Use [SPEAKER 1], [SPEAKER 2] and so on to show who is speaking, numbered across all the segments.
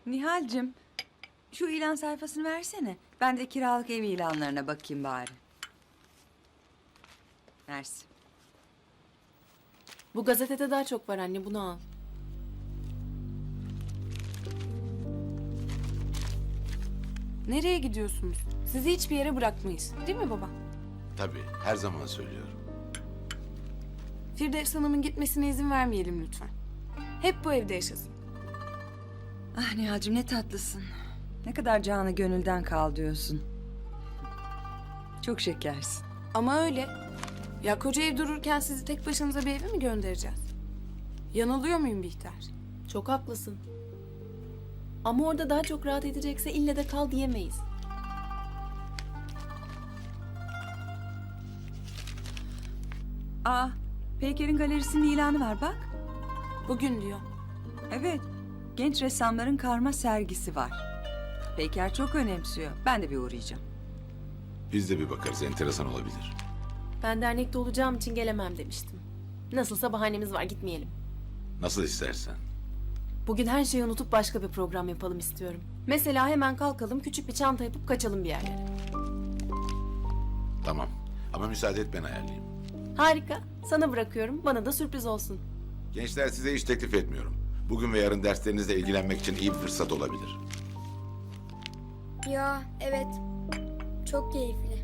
[SPEAKER 1] Nihal'cim, şu ilan sayfasını versene. Ben de kiralık ev ilanlarına bakayım bari. Mersi.
[SPEAKER 2] Bu gazetede daha çok var anne, bunu al. Nereye gidiyorsunuz? Sizi hiçbir yere bırakmayız. Değil mi baba?
[SPEAKER 3] Tabii, her zaman söylüyorum.
[SPEAKER 2] Firdevs Hanım'ın gitmesine izin vermeyelim lütfen. Hep bu evde yaşasın.
[SPEAKER 1] Ah Nihal'cim ne tatlısın. Ne kadar canı gönülden kal diyorsun. Çok şekersin.
[SPEAKER 2] Ama öyle. Ya koca ev dururken sizi tek başınıza bir eve mi göndereceğiz? Yanılıyor muyum Bihter?
[SPEAKER 4] Çok haklısın. Ama orada daha çok rahat edecekse ille de kal diyemeyiz.
[SPEAKER 1] Aa, Peyker'in galerisinin ilanı var bak.
[SPEAKER 2] Bugün diyor.
[SPEAKER 1] Evet, genç ressamların karma sergisi var. Peyker çok önemsiyor. Ben de bir uğrayacağım.
[SPEAKER 3] Biz de bir bakarız, enteresan olabilir.
[SPEAKER 4] Ben dernekte olacağım için gelemem demiştim. Nasılsa bahanemiz var, gitmeyelim.
[SPEAKER 3] Nasıl istersen.
[SPEAKER 4] Bugün her şeyi unutup başka bir program yapalım istiyorum. Mesela hemen kalkalım, küçük bir çanta yapıp kaçalım bir yerlere.
[SPEAKER 3] Tamam. Ama müsaade et ben ayarlayayım.
[SPEAKER 4] Harika. Sana bırakıyorum. Bana da sürpriz olsun.
[SPEAKER 3] Gençler size hiç teklif etmiyorum. Bugün ve yarın derslerinizle ilgilenmek için iyi bir fırsat olabilir.
[SPEAKER 5] Ya evet. Çok keyifli.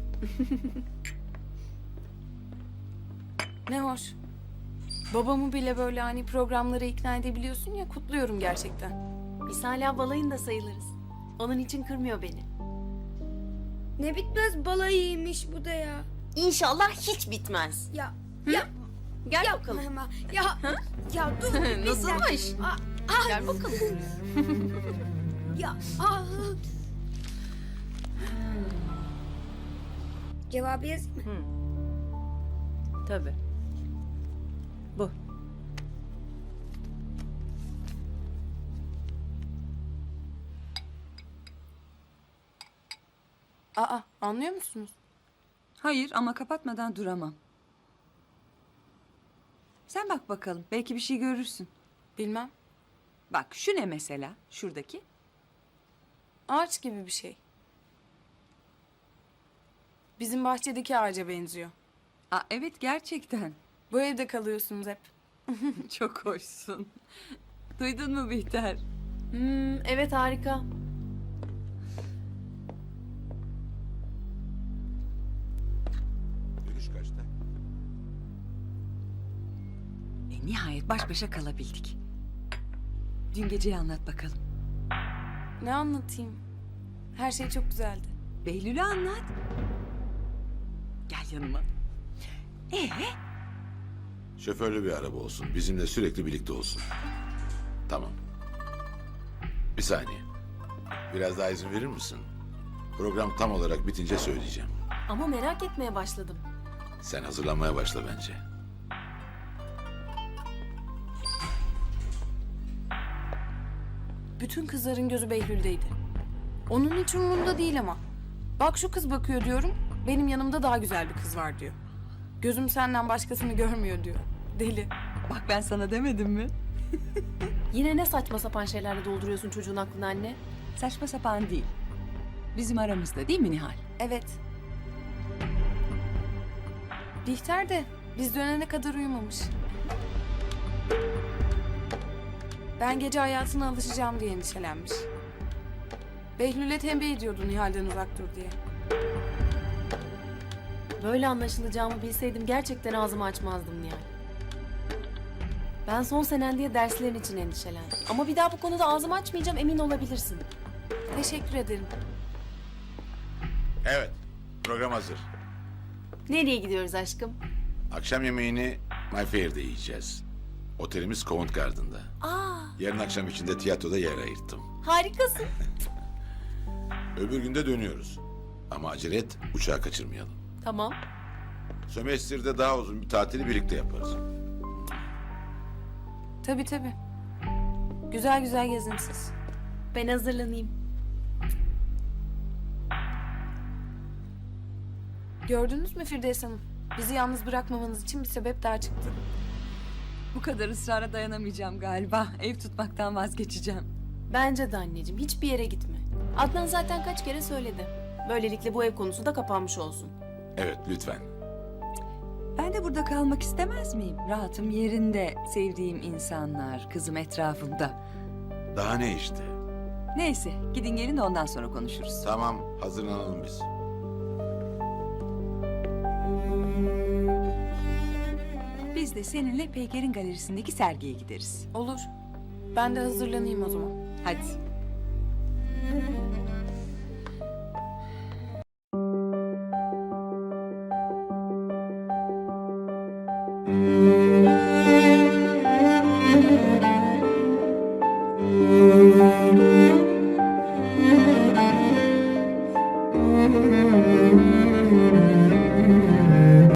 [SPEAKER 2] Ne hoş. Babamı bile böyle hani programlara ikna edebiliyorsun ya, kutluyorum gerçekten.
[SPEAKER 4] Biz hala balayında sayılırız. Onun için kırmıyor beni.
[SPEAKER 5] Ne bitmez balayıymış bu da ya.
[SPEAKER 4] İnşallah hiç bitmez.
[SPEAKER 5] Ya
[SPEAKER 4] Gel
[SPEAKER 5] yapma
[SPEAKER 4] bakalım.
[SPEAKER 5] hemen. Ya dur. bir
[SPEAKER 4] Nasılmış?
[SPEAKER 5] dakika.
[SPEAKER 4] Gel bakalım.
[SPEAKER 5] Ya Cevabı yazayım mı?
[SPEAKER 4] Tabii. Bu.
[SPEAKER 2] Aa, anlıyor musunuz?
[SPEAKER 1] Hayır ama kapatmadan duramam. Sen bak bakalım. Belki bir şey görürsün.
[SPEAKER 2] Bilmem.
[SPEAKER 1] Bak şu ne mesela? Şuradaki.
[SPEAKER 2] Ağaç gibi bir şey. Bizim bahçedeki ağaca benziyor.
[SPEAKER 1] Aa, evet gerçekten.
[SPEAKER 2] Bu evde kalıyorsunuz hep.
[SPEAKER 1] Çok hoşsun. Duydun mu Bihter?
[SPEAKER 4] Evet, harika.
[SPEAKER 3] Dönüş kaçta?
[SPEAKER 1] Nihayet baş başa kalabildik. Dün geceyi anlat bakalım.
[SPEAKER 2] Ne anlatayım? Her şey çok güzeldi.
[SPEAKER 1] Behlül'ü anlat. Gel yanıma.
[SPEAKER 3] Şoförlü bir araba olsun. Bizimle sürekli birlikte olsun. Tamam. Bir saniye. Biraz daha izin verir misin? Program tam olarak bitince söyleyeceğim.
[SPEAKER 4] Ama merak etmeye başladım.
[SPEAKER 3] Sen hazırlanmaya başla bence.
[SPEAKER 2] Bütün kızların gözü Behlül'deydi. Onun hiç umurumda değil ama. Bak şu kız bakıyor diyorum. Benim yanımda daha güzel bir kız var diyor. Gözüm senden başkasını görmüyor diyor. Deli.
[SPEAKER 1] Bak ben sana demedim mi?
[SPEAKER 4] Yine ne saçma sapan şeylerle dolduruyorsun çocuğun aklını anne?
[SPEAKER 1] Saçma sapan değil. Bizim aramızda değil mi Nihal?
[SPEAKER 2] Evet. Bihter de biz dönene kadar uyumamış. Ben gece hayatına alışacağım diye endişelenmiş. Behlül'e tembih ediyordu Nihal'den uzak dur diye.
[SPEAKER 4] Böyle anlaşılacağımı bilseydim gerçekten ağzımı açmazdım yani. Ben son senen diye derslerin için endişelendim. Ama bir daha bu konuda ağzımı açmayacağım, emin olabilirsin.
[SPEAKER 2] Teşekkür ederim.
[SPEAKER 3] Evet. Program hazır.
[SPEAKER 4] Nereye gidiyoruz aşkım?
[SPEAKER 3] Akşam yemeğini My Fair'de yiyeceğiz. Otelimiz Covent Garden'da.
[SPEAKER 4] Aa,
[SPEAKER 3] Yarın akşam için de tiyatroda yer ayırttım.
[SPEAKER 4] harikasın.
[SPEAKER 3] Öbür günde dönüyoruz. Ama acele et, uçağı kaçırmayalım.
[SPEAKER 4] Tamam.
[SPEAKER 3] Sömestr'de daha uzun bir tatili birlikte yaparız.
[SPEAKER 2] Tabii tabii. Güzel güzel gezin siz.
[SPEAKER 4] Ben hazırlanayım.
[SPEAKER 2] Gördünüz mü Firdevs Hanım? Bizi yalnız bırakmamanız için bir sebep daha çıktı.
[SPEAKER 1] Bu kadar ısrara dayanamayacağım galiba. Ev tutmaktan vazgeçeceğim.
[SPEAKER 4] Bence de anneciğim, hiçbir yere gitme. Adnan zaten kaç kere söyledi. Böylelikle bu ev konusu da kapanmış olsun.
[SPEAKER 3] Evet, lütfen.
[SPEAKER 1] Ben de burada kalmak istemez miyim? Rahatım yerinde, sevdiğim insanlar, kızım etrafımda.
[SPEAKER 3] Daha ne işte?
[SPEAKER 1] Neyse, gidin gelin de ondan sonra konuşuruz.
[SPEAKER 3] Tamam, hazırlanalım biz.
[SPEAKER 1] Biz de seninle Peyker'in galerisindeki sergiye gideriz.
[SPEAKER 2] Olur. Ben de hazırlanayım o zaman.
[SPEAKER 1] Hadi.